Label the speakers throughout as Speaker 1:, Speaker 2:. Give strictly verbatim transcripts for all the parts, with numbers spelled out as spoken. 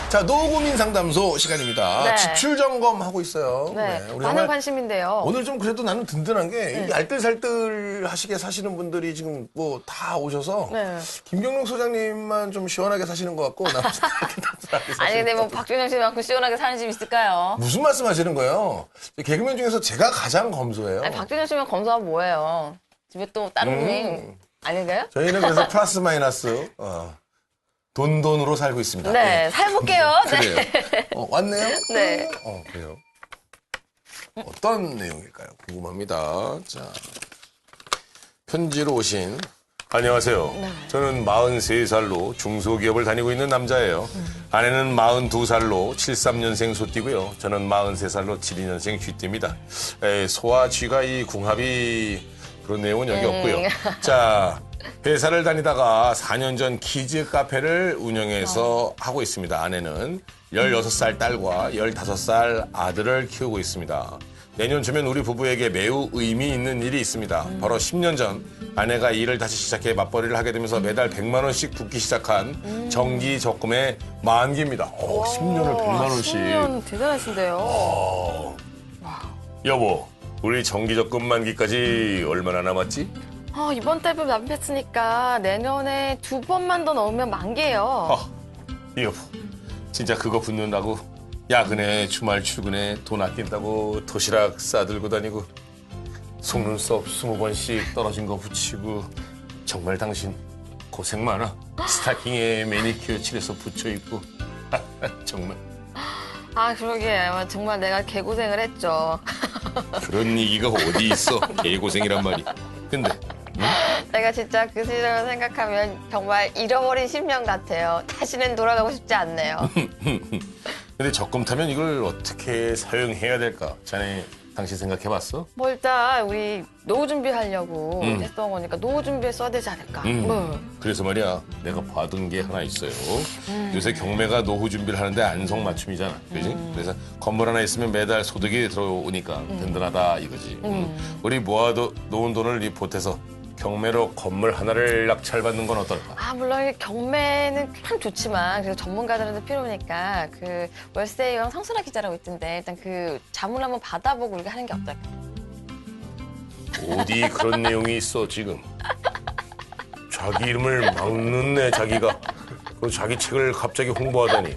Speaker 1: 자, 노고민 상담소 시간입니다.
Speaker 2: 네.
Speaker 1: 지출 점검하고 있어요.
Speaker 2: 네,
Speaker 1: 네, 우리
Speaker 2: 많은
Speaker 1: 정말
Speaker 2: 관심인데요.
Speaker 1: 오늘 좀 그래도 나는 든든한 게
Speaker 2: 네.
Speaker 1: 이 알뜰살뜰 하시게 사시는 분들이 지금 뭐 다 오셔서
Speaker 2: 네.
Speaker 1: 김경록 소장님만 좀 시원하게 사시는 것 같고 나머지 다 이렇게 답답하게
Speaker 2: 아니 근데 뭐
Speaker 1: 사시는 것 같고.
Speaker 2: 박준영 씨만큼 시원하게 사는 집 있을까요?
Speaker 1: 무슨 말씀하시는 거예요? 개그맨 중에서 제가 가장 검소해요.
Speaker 2: 아니 박준영 씨만 검소하면 뭐예요? 집에 또 다른 분이
Speaker 1: 음.
Speaker 2: 아닌가요?
Speaker 1: 저희는 그래서 플러스 마이너스 어, 돈 돈으로 살고 있습니다.
Speaker 2: 네,
Speaker 1: 예.
Speaker 2: 살볼게요.
Speaker 1: 그래요.
Speaker 2: 네.
Speaker 1: 어, 왔네요?
Speaker 2: 네.
Speaker 1: 어, 그래요. 어떤 내용일까요? 궁금합니다. 자, 편지로 오신. 안녕하세요.
Speaker 2: 네.
Speaker 1: 저는 마흔세 살로 중소기업을 다니고 있는 남자예요.
Speaker 2: 음.
Speaker 1: 아내는 마흔두 살로 칠십삼 년생 소띠고요. 저는 마흔세 살로 칠십이 년생 쥐띠입니다. 에, 소와 쥐가 이 궁합이 그런 내용은 여기
Speaker 2: 음.
Speaker 1: 없고요. 자, 회사를 다니다가 사 년 전 키즈 카페를 운영해서 하고 있습니다. 아내는 열여섯 살 딸과 열다섯 살 아들을 키우고 있습니다. 내년 초면 우리 부부에게 매우 의미 있는 일이 있습니다. 바로 십 년 전 아내가 일을 다시 시작해 맞벌이를 하게 되면서 매달 백만 원씩 붓기 시작한 정기 적금의 만기입니다. 오, 십 년을 백만 원씩.
Speaker 2: 십 년 대단하신데요.
Speaker 1: 어. 여보, 우리 정기 적금 만기까지 얼마나 남았지?
Speaker 2: 아, 이번 달분 납입했으니까 내년에 두 번만 더 넣으면 만개예요.
Speaker 1: 아, 여보, 진짜 그거 붙는다고 야근에 주말 출근에 돈 아낀다고 도시락 싸들고 다니고 속눈썹 스무 번씩 떨어진 거 붙이고 정말 당신 고생 많아. 스타킹에 매니큐어 칠해서 붙여입고 정말
Speaker 2: 아, 그러게. 정말 내가 개고생을 했죠.
Speaker 1: 그런 얘기가 어디 있어. 개고생이란 말이. 근데
Speaker 2: 내가 진짜 그 시절을 생각하면 정말 잃어버린 십 년 같아요. 다시는 돌아가고 싶지 않네요.
Speaker 1: 근데 적금 타면 이걸 어떻게 사용해야 될까? 자네 당신 생각해봤어?
Speaker 2: 뭐 일단 우리 노후 준비하려고
Speaker 1: 음.
Speaker 2: 했던 거니까 노후 준비에 써야 되지 않을까.
Speaker 1: 음.
Speaker 2: 뭐.
Speaker 1: 그래서 말이야 내가 받은 게 하나 있어요.
Speaker 2: 음.
Speaker 1: 요새 경매가 노후 준비를 하는데 안성맞춤이잖아. 그지?
Speaker 2: 음.
Speaker 1: 그래서 건물 하나 있으면 매달 소득이 들어오니까 든든하다 이거지. 음. 우리 모아놓은 돈을 이 보태서 경매로 건물 하나를 낙찰받는 건 어떨까?
Speaker 2: 아, 물론 이게 경매는 참 좋지만 그래서 전문가들한테 필요하니까 그 월세형 성순아 기자라고 있던데 일단 그 자문을 한번 받아보고 우리가 하는 게 어떨까?
Speaker 1: 어디 그런 내용이 있어 지금? 자기 이름을 막 넣네 자기가. 그리고 자기 책을 갑자기 홍보하다니.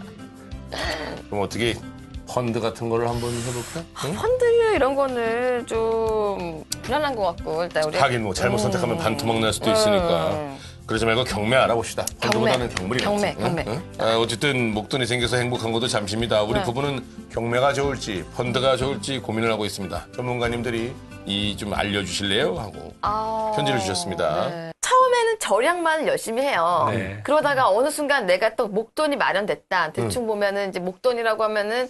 Speaker 1: 그럼 어떻게 펀드 같은 거를 한번 해볼까? 응?
Speaker 2: 펀드 이런 거는 좀 불안한 것 같고 일단 우리
Speaker 1: 하긴 뭐 잘못 선택하면 반토막 날 수도 있으니까.
Speaker 2: 음.
Speaker 1: 그러지 말고 경매 알아봅시다. 펀드보다는 경물이
Speaker 2: 경매,
Speaker 1: 낫지.
Speaker 2: 경매.
Speaker 1: 응? 응? 아, 어쨌든 목돈이 생겨서 행복한 것도 잠시입니다. 우리
Speaker 2: 네.
Speaker 1: 부부는 경매가 좋을지 펀드가 좋을지 고민을 하고 있습니다. 전문가님들이 이 좀 알려주실래요? 하고
Speaker 2: 아,
Speaker 1: 편지를 주셨습니다.
Speaker 2: 네. 처음에는 절약만 열심히 해요.
Speaker 3: 네.
Speaker 2: 그러다가 어느 순간 내가 또 목돈이 마련됐다. 대충 보면은 이제 목돈이라고 하면은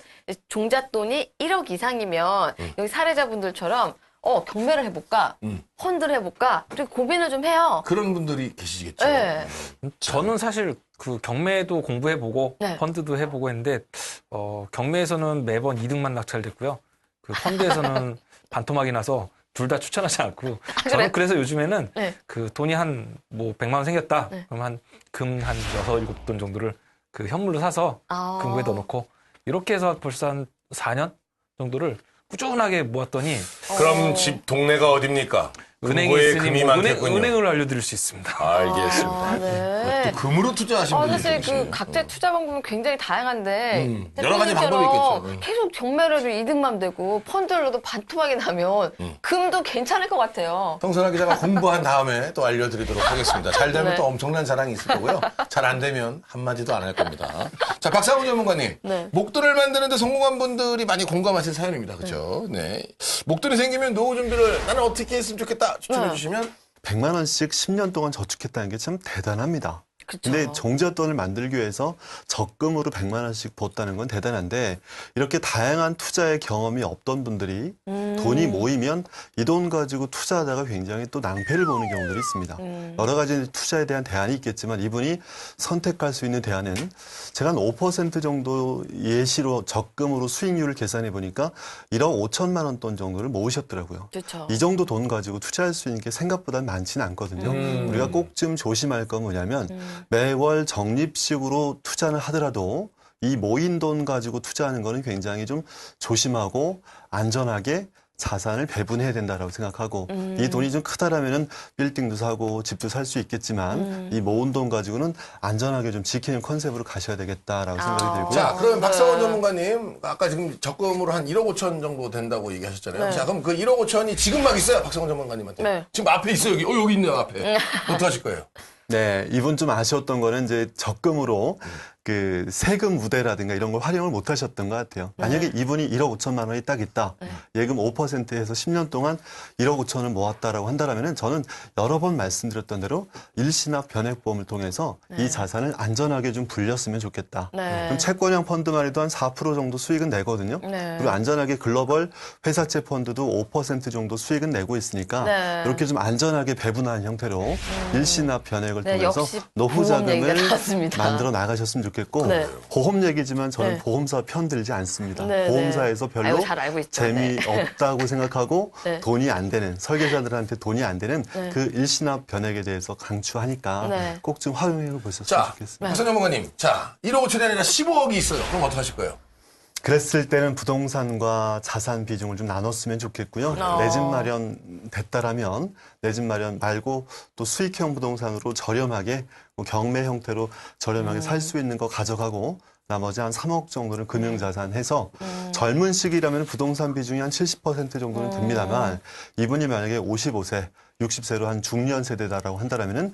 Speaker 2: 종잣돈이 일억 이상이면 여기 사례자분들처럼 어 경매를 해볼까,
Speaker 1: 음.
Speaker 2: 펀드를 해볼까, 그리고 고민을 좀 해요.
Speaker 1: 그런 분들이 계시겠죠.
Speaker 2: 네.
Speaker 3: 저는 사실 그 경매도 공부해보고
Speaker 2: 네.
Speaker 3: 펀드도 해보고 했는데 어, 경매에서는 매번 이득만 낙찰됐고요. 그 펀드에서는 반토막이 나서 둘 다 추천하지 않고 저는
Speaker 2: 그래요?
Speaker 3: 그래서 요즘에는
Speaker 2: 네.
Speaker 3: 그 돈이 한 뭐 백만 원 생겼다.
Speaker 2: 네.
Speaker 3: 그럼 한 금 한 여섯 일곱 돈 정도를 그 현물로 사서
Speaker 2: 아.
Speaker 3: 금고에 넣어놓고 이렇게 해서 벌써 한 사 년 정도를 꾸준하게 모았더니
Speaker 1: 그럼
Speaker 2: 어.
Speaker 1: 집 동네가 어딥니까?
Speaker 3: 은행이
Speaker 1: 은고에
Speaker 3: 있으니
Speaker 1: 금이
Speaker 3: 뭐 은행,
Speaker 1: 많겠군요.
Speaker 3: 은행을 알려드릴 수 있습니다.
Speaker 1: 알겠습니다.
Speaker 2: 아, 네.
Speaker 1: 또 금으로 투자하시는
Speaker 2: 아,
Speaker 1: 분들이
Speaker 2: 사실
Speaker 1: 계시네요.
Speaker 2: 그 각자의 투자 방법은 굉장히 다양한데
Speaker 1: 음, 여러 가지 방법이
Speaker 2: 대표님처럼
Speaker 1: 있겠죠. 음.
Speaker 2: 계속 경매를 해도 이득만 되고 펀드로도 반토막이 나면
Speaker 1: 음.
Speaker 2: 금도 괜찮을 것 같아요.
Speaker 1: 성선아 기자가 공부한 다음에 또 알려드리도록 하겠습니다. 잘 되면
Speaker 2: 네.
Speaker 1: 또 엄청난 자랑이 있을 거고요. 잘 안 되면 한마디도 안 할 겁니다. 자, 박상훈 전문가님.
Speaker 2: 네.
Speaker 1: 목돈을 만드는데 성공한 분들이 많이 공감하실 사연입니다. 그렇죠? 네. 목돈이 생기면 노후 준비를 나는 어떻게 했으면 좋겠다 추천해
Speaker 2: 네.
Speaker 1: 주시면
Speaker 4: 백만 원씩 십 년 동안 저축했다는 게 참 대단합니다.
Speaker 2: 그쵸.
Speaker 4: 근데 종잣돈을 만들기 위해서 적금으로 백만 원씩 붓다는 건 대단한데 이렇게 다양한 투자의 경험이 없던 분들이
Speaker 2: 음.
Speaker 4: 돈이 모이면 이 돈 가지고 투자하다가 굉장히 또 낭패를 보는 경우들이 있습니다.
Speaker 2: 음.
Speaker 4: 여러 가지 투자에 대한 대안이 있겠지만 이분이 선택할 수 있는 대안은 제가 한 오 퍼센트 정도 예시로 적금으로 수익률을 계산해 보니까 일억 오천만 원 돈 정도를 모으셨더라고요.
Speaker 2: 그렇죠.
Speaker 4: 이 정도 돈 가지고 투자할 수 있는 게 생각보다 많지는 않거든요.
Speaker 1: 음.
Speaker 4: 우리가 꼭 좀 조심할 건 뭐냐면
Speaker 2: 음.
Speaker 4: 매월 적립식으로 투자를 하더라도 이 모인 돈 가지고 투자하는 거는 굉장히 좀 조심하고 안전하게 자산을 배분해야 된다라고 생각하고
Speaker 2: 음.
Speaker 4: 이 돈이 좀 크다라면은 빌딩도 사고 집도 살 수 있겠지만
Speaker 2: 음.
Speaker 4: 이 모은 돈 가지고는 안전하게 좀 지키는 컨셉으로 가셔야 되겠다라고 생각이
Speaker 2: 아.
Speaker 4: 들고요.
Speaker 1: 자, 그럼
Speaker 2: 네.
Speaker 1: 박성원 전문가님, 아까 지금 적금으로 한 일억 오천 정도 된다고 얘기하셨잖아요.
Speaker 2: 네.
Speaker 1: 자, 그럼 그 일억 오천이 지금 막 있어요, 박성원 전문가님한테.
Speaker 2: 네.
Speaker 1: 지금 앞에 있어요, 여기. 어, 여기 있네요, 앞에. 어떻게 하실 거예요?
Speaker 4: 네, 이분 좀 아쉬웠던 거는 이제 적금으로 그 세금 우대라든가 이런 걸 활용을 못 하셨던 것 같아요. 만약에 이분이 일억 오천만 원이 딱 있다. 예금 오 퍼센트에서 십 년 동안 일억 오천을 모았다라고 한다라면은 저는 여러 번 말씀드렸던 대로 일시납 변액보험을 통해서 이 자산을 안전하게 좀 불렸으면 좋겠다.
Speaker 2: 네.
Speaker 4: 그럼 채권형 펀드만 해도 한 사 퍼센트 정도 수익은 내거든요.
Speaker 2: 네.
Speaker 4: 그리고 안전하게 글로벌 회사채 펀드도 오 퍼센트 정도 수익은 내고 있으니까
Speaker 2: 네.
Speaker 4: 이렇게 좀 안전하게 배분하는 형태로 일시납 변액을
Speaker 2: 네,
Speaker 4: 통해서
Speaker 2: 역시
Speaker 4: 노후
Speaker 2: 보험 얘기가
Speaker 4: 자금을
Speaker 2: 나왔습니다.
Speaker 4: 만들어 나가셨으면 좋겠고
Speaker 2: 네.
Speaker 4: 보험 얘기지만 저는
Speaker 2: 네.
Speaker 4: 보험사 편들지 않습니다.
Speaker 2: 네,
Speaker 4: 보험사에서
Speaker 2: 네.
Speaker 4: 별로
Speaker 2: 아이고, 잘 알고 있죠. 네.
Speaker 4: 재미없다고 생각하고
Speaker 2: 네.
Speaker 4: 돈이 안 되는 설계자들한테 돈이 안 되는
Speaker 2: 네.
Speaker 4: 그 일시납 변액에 대해서 강추하니까
Speaker 2: 네.
Speaker 4: 꼭 좀 활용해 보셨으면
Speaker 1: 자,
Speaker 4: 좋겠습니다.
Speaker 1: 박성원 전문가님. 자, 일억 오천이 아니라 십오억이 있어요. 그럼 어떻게 하실 거예요?
Speaker 4: 그랬을 때는 부동산과 자산 비중을 좀 나눴으면 좋겠고요.
Speaker 2: 어.
Speaker 4: 내 집 마련 됐다라면 내 집 마련 말고 또 수익형 부동산으로 저렴하게 뭐 경매 형태로 저렴하게
Speaker 2: 음.
Speaker 4: 살 수 있는 거 가져가고 나머지 한 삼억 정도는 금융자산 해서
Speaker 2: 음.
Speaker 4: 젊은 시기라면 부동산 비중이 한 칠십 퍼센트 정도는 듭니다만 이분이 만약에 오십오 세, 육십 세로 한 중년 세대다라고 한다라면은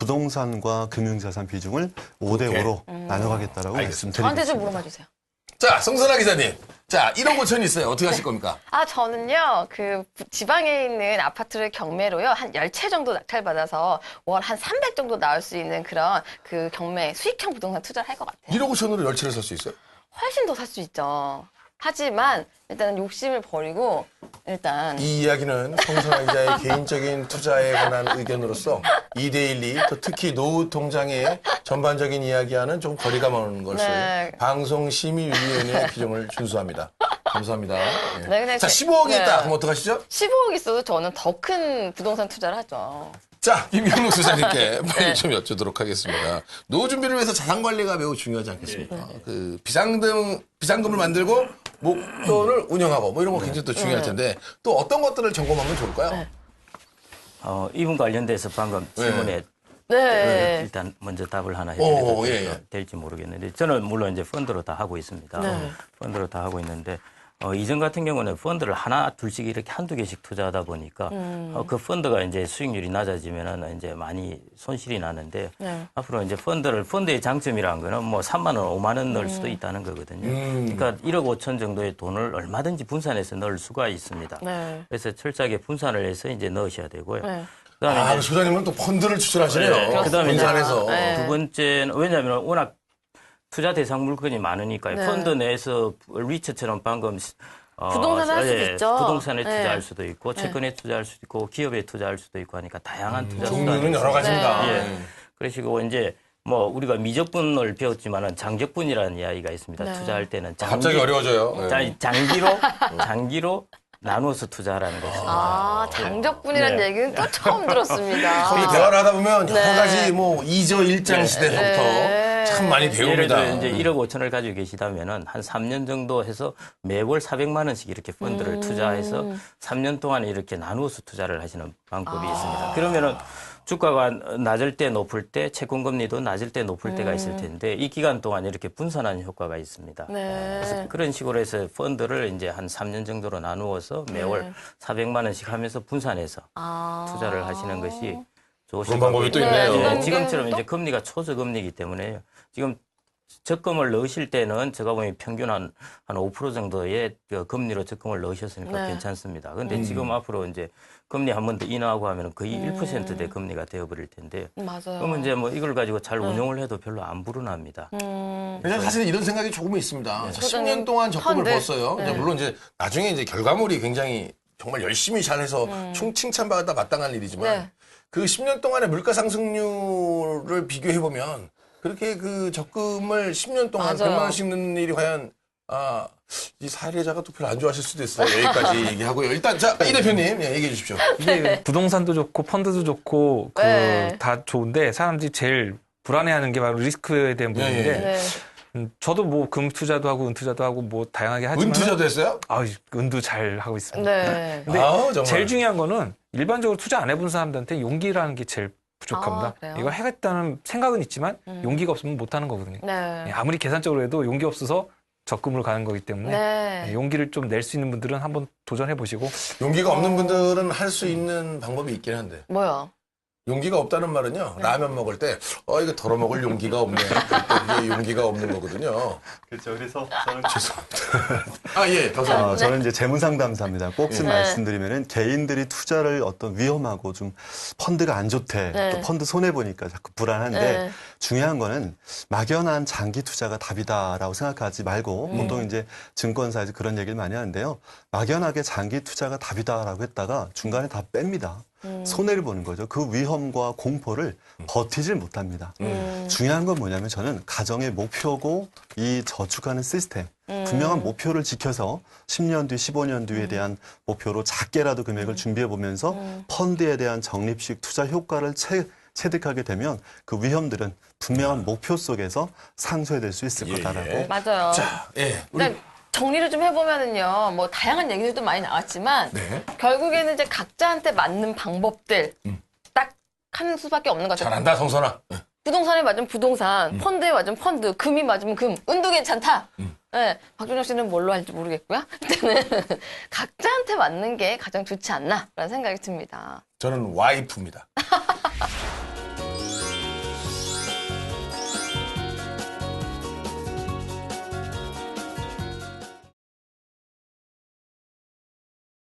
Speaker 4: 부동산과 금융자산 비중을 오 대 오로 나눠가겠다라고
Speaker 1: 알겠습니다.
Speaker 2: 저한테
Speaker 4: 말씀드리겠습니다.
Speaker 2: 좀 물어봐 주세요.
Speaker 1: 자, 성선아 기자님. 자, 일억 오천이 있어요. 어떻게 하실 겁니까?
Speaker 2: 아, 저는요, 그, 지방에 있는 아파트를 경매로요, 한 열 채 정도 낙찰받아서 월 한 삼백 정도 나올 수 있는 그런 그 경매, 수익형 부동산 투자를 할 것 같아요.
Speaker 1: 일억 오천으로 열 채를 살 수 있어요?
Speaker 2: 훨씬 더 살 수 있죠. 하지만, 일단은 욕심을 버리고, 일단.
Speaker 1: 이 이야기는 성선아 기자의 개인적인 투자에 관한 의견으로서 이 데일리, 또 특히 노후 통장의 전반적인 이야기와는 좀 거리가 먼 것을
Speaker 2: 네.
Speaker 1: 방송심의위원회의 규정을 준수합니다. 감사합니다. 예.
Speaker 2: 네, 근데
Speaker 1: 자,
Speaker 2: 제-
Speaker 1: 십오억이
Speaker 2: 네.
Speaker 1: 있다. 그럼 어떡하시죠?
Speaker 2: 십오억 있어도 저는 더 큰 부동산 투자를 하죠.
Speaker 1: 자, 김경록 수사님께 빨리 좀 여쭈도록 하겠습니다. 노후 준비를 위해서 자산 관리가 매우 중요하지 않겠습니까? 그 비상금 비상금을 만들고 목돈을 운영하고 뭐 이런 거 굉장히 또 중요할 텐데 또 어떤 것들을 점검하면 좋을까요?
Speaker 5: 어, 이분 관련돼서 방금 질문에
Speaker 2: 네.
Speaker 5: 일단 먼저 답을 하나
Speaker 1: 오,
Speaker 5: 해드려도
Speaker 1: 예, 예.
Speaker 5: 될지 모르겠는데 저는 물론 이제 펀드로 다 하고 있습니다.
Speaker 2: 네.
Speaker 5: 펀드로 다 하고 있는데 어, 이전 같은 경우는 펀드를 하나 둘씩 이렇게 한두 개씩 투자하다 보니까
Speaker 2: 음.
Speaker 5: 어, 그 펀드가 이제 수익률이 낮아지면은 이제 많이 손실이 나는데
Speaker 2: 네.
Speaker 5: 앞으로 이제 펀드를 펀드의 장점이라는 거는 뭐 삼만 원, 오만 원 넣을 수도 있다는 거거든요.
Speaker 1: 음.
Speaker 5: 그러니까 일억 오천 정도의 돈을 얼마든지 분산해서 넣을 수가 있습니다.
Speaker 2: 네.
Speaker 5: 그래서 철저하게 분산을 해서 이제 넣으셔야 되고요.
Speaker 2: 네.
Speaker 5: 그다음에
Speaker 1: 아,
Speaker 5: 이제
Speaker 1: 소장님은 또 펀드를 추천하시네요.
Speaker 5: 네, 그다음에 이제
Speaker 1: 분산해서.
Speaker 2: 네.
Speaker 5: 두 번째는 왜냐하면 워낙 투자 대상 물건이 많으니까요.
Speaker 2: 네.
Speaker 5: 펀드 내에서 리처처럼 방금 어,
Speaker 2: 부동산을 할 수도
Speaker 5: 예,
Speaker 2: 있죠.
Speaker 5: 부동산에
Speaker 2: 네.
Speaker 5: 투자할 수도 있고 채권에 투자할 수도 있고 기업에 투자할 수도 있고 하니까 다양한 투자 수단이
Speaker 1: 음, 종류는 여러
Speaker 5: 있습니다.
Speaker 1: 가지입니다.
Speaker 2: 네.
Speaker 5: 예. 그러시고 이제 뭐 우리가 미적분을 배웠지만은 장적분이라는 이야기가 있습니다.
Speaker 2: 네.
Speaker 5: 투자할 때는 장기,
Speaker 1: 갑자기 어려워져요. 네.
Speaker 5: 자, 장기로 장기로 나누어서 투자하라는 것입니다.
Speaker 2: 아, 장적분이라는
Speaker 5: 네.
Speaker 2: 얘기는 또 처음 들었습니다.
Speaker 1: 거기 대화를 하다 보면 여러
Speaker 2: 네.
Speaker 1: 가지 뭐 이저 일장 시대부터
Speaker 2: 네.
Speaker 1: 참 많이
Speaker 5: 예를
Speaker 1: 배웁니다.
Speaker 5: 들어 이제 일억 오천을 가지고 계시다면은 한 삼 년 정도 해서 매월 사백만 원씩 이렇게 펀드를
Speaker 2: 음.
Speaker 5: 투자해서 삼 년 동안 이렇게 나누어서 투자를 하시는 방법이
Speaker 2: 아.
Speaker 5: 있습니다. 그러면은 주가가 낮을 때 높을 때 채권 금리도 낮을 때 높을 때가 있을 텐데 이 기간 동안 이렇게 분산하는 효과가 있습니다.
Speaker 2: 네.
Speaker 5: 그래서 그런 식으로 해서 펀드를 이제 한 삼 년 정도로 나누어서 매월
Speaker 2: 네.
Speaker 5: 사백만 원씩 하면서 분산해서
Speaker 2: 아.
Speaker 5: 투자를 하시는 것이 좋으실
Speaker 1: 그런 방법이 또
Speaker 5: 거고요.
Speaker 1: 있네요.
Speaker 2: 네,
Speaker 5: 예,
Speaker 2: 그건
Speaker 5: 지금처럼
Speaker 2: 또-
Speaker 5: 이제 금리가 초저금리이기 때문에 지금 적금을 넣으실 때는 제가 보면 평균 한, 한 오 퍼센트 정도의 그 금리로 적금을 넣으셨으니까
Speaker 2: 네.
Speaker 5: 괜찮습니다. 근데 지금 앞으로 이제 금리 한 번 더 인하하고 하면 거의 일 퍼센트대 금리가 되어버릴 텐데
Speaker 2: 맞아요.
Speaker 5: 그러면 이제 뭐 이걸 가지고 잘 운용을 해도 별로 안 불어납니다.
Speaker 2: 음.
Speaker 1: 왜냐면 사실 이런 생각이 조금 있습니다. 자, 십 년
Speaker 2: 소장님,
Speaker 1: 동안 적금을
Speaker 2: 펀드.
Speaker 1: 벌었어요. 이제
Speaker 2: 네.
Speaker 1: 물론 이제 나중에 이제 결과물이 굉장히 정말 열심히 잘해서 충 칭찬받아 마땅한 일이지만
Speaker 2: 네.
Speaker 1: 그 십 년 동안의 물가 상승률을 비교해 보면 그렇게 그 적금을 십 년 동안
Speaker 2: 맞아요.
Speaker 1: 백만 원씩 넣는 일이 과연 아, 이 사례자가 또 별로 안 좋아하실 수도 있어요. 여기까지 얘기하고요. 일단 자, 이 대표님 예, 얘기해 주십시오.
Speaker 3: 이게 부동산도 좋고 펀드도 좋고 그
Speaker 2: 네.
Speaker 3: 다 좋은데 사람들이 제일 불안해하는 게 바로 리스크에 대한
Speaker 1: 예,
Speaker 3: 부분인데
Speaker 1: 예.
Speaker 2: 네.
Speaker 3: 음, 저도 뭐 금 투자도 하고 은 투자도 하고 뭐 다양하게 하지만
Speaker 1: 은투자도 했어요?
Speaker 3: 아, 은도 잘 하고 있습니다.
Speaker 2: 네.
Speaker 3: 근데
Speaker 1: 아우, 정말.
Speaker 3: 제일 중요한 거는 일반적으로 투자 안 해본 사람들한테 용기라는 게 제일 부족합니다.
Speaker 2: 아, 그래요?
Speaker 3: 이걸 해겠다는 생각은 있지만
Speaker 2: 음.
Speaker 3: 용기가 없으면 못 하는 거거든요.
Speaker 2: 네.
Speaker 3: 예, 아무리 계산적으로 해도 용기 없어서 적금으로 가는 거기 때문에
Speaker 2: 네.
Speaker 3: 예, 용기를 좀 낼 수 있는 분들은 한번 도전해 보시고
Speaker 1: 용기가 없는
Speaker 2: 어.
Speaker 1: 분들은 할 수 있는 방법이 있긴 한데.
Speaker 2: 뭐요?
Speaker 1: 용기가 없다는 말은요, 라면 먹을 때, 어, 이거 덜어 먹을 용기가 없네. 그때 그게 용기가 없는 거거든요.
Speaker 4: 그렇죠. 그래서 저는
Speaker 1: 아, 예, 더
Speaker 4: 어, 저는 이제 재무상담사입니다. 꼭 좀
Speaker 2: 네.
Speaker 4: 말씀드리면은 개인들이 투자를 어떤 위험하고 좀 펀드가 안 좋대,
Speaker 2: 네.
Speaker 4: 또 펀드 손해 보니까 자꾸 불안한데
Speaker 2: 네.
Speaker 4: 중요한 거는 막연한 장기 투자가 답이다라고 생각하지 말고
Speaker 2: 음.
Speaker 4: 보통 이제 증권사에서 그런 얘기를 많이 하는데요. 막연하게 장기 투자가 답이다라고 했다가 중간에 다 뺍니다.
Speaker 2: 음.
Speaker 4: 손해를 보는 거죠. 그 위험과 공포를 버티질 못합니다.
Speaker 2: 음.
Speaker 4: 중요한 건 뭐냐면 저는 가정의 목표고 이 저축하는 시스템
Speaker 2: 음.
Speaker 4: 분명한 목표를 지켜서 십 년 뒤, 십오 년 뒤에 대한 목표로 작게라도 금액을 준비해 보면서
Speaker 2: 음.
Speaker 4: 펀드에 대한 적립식 투자 효과를 채, 체득하게 되면 그 위험들은 분명한 목표 속에서 상쇄될 수 있을
Speaker 1: 예,
Speaker 4: 거다라고.
Speaker 1: 예.
Speaker 2: 맞아요.
Speaker 1: 자, 예. 우리,
Speaker 2: 그러니까 정리를 좀 해보면은요, 뭐 다양한 얘기들도 많이 나왔지만
Speaker 1: 네.
Speaker 2: 결국에는 이제 각자한테 맞는 방법들 딱 하는 수밖에 없는 것 같아요.
Speaker 1: 잘한다, 성선아.
Speaker 2: 부동산에 맞으면 부동산, 펀드에 맞으면 펀드, 금이 맞으면 금, 은도 괜찮다. 네, 박준영 씨는 뭘로 할지 모르겠고요. 일단은 각자한테 맞는 게 가장 좋지 않나라는 생각이 듭니다.
Speaker 1: 저는 와이프입니다.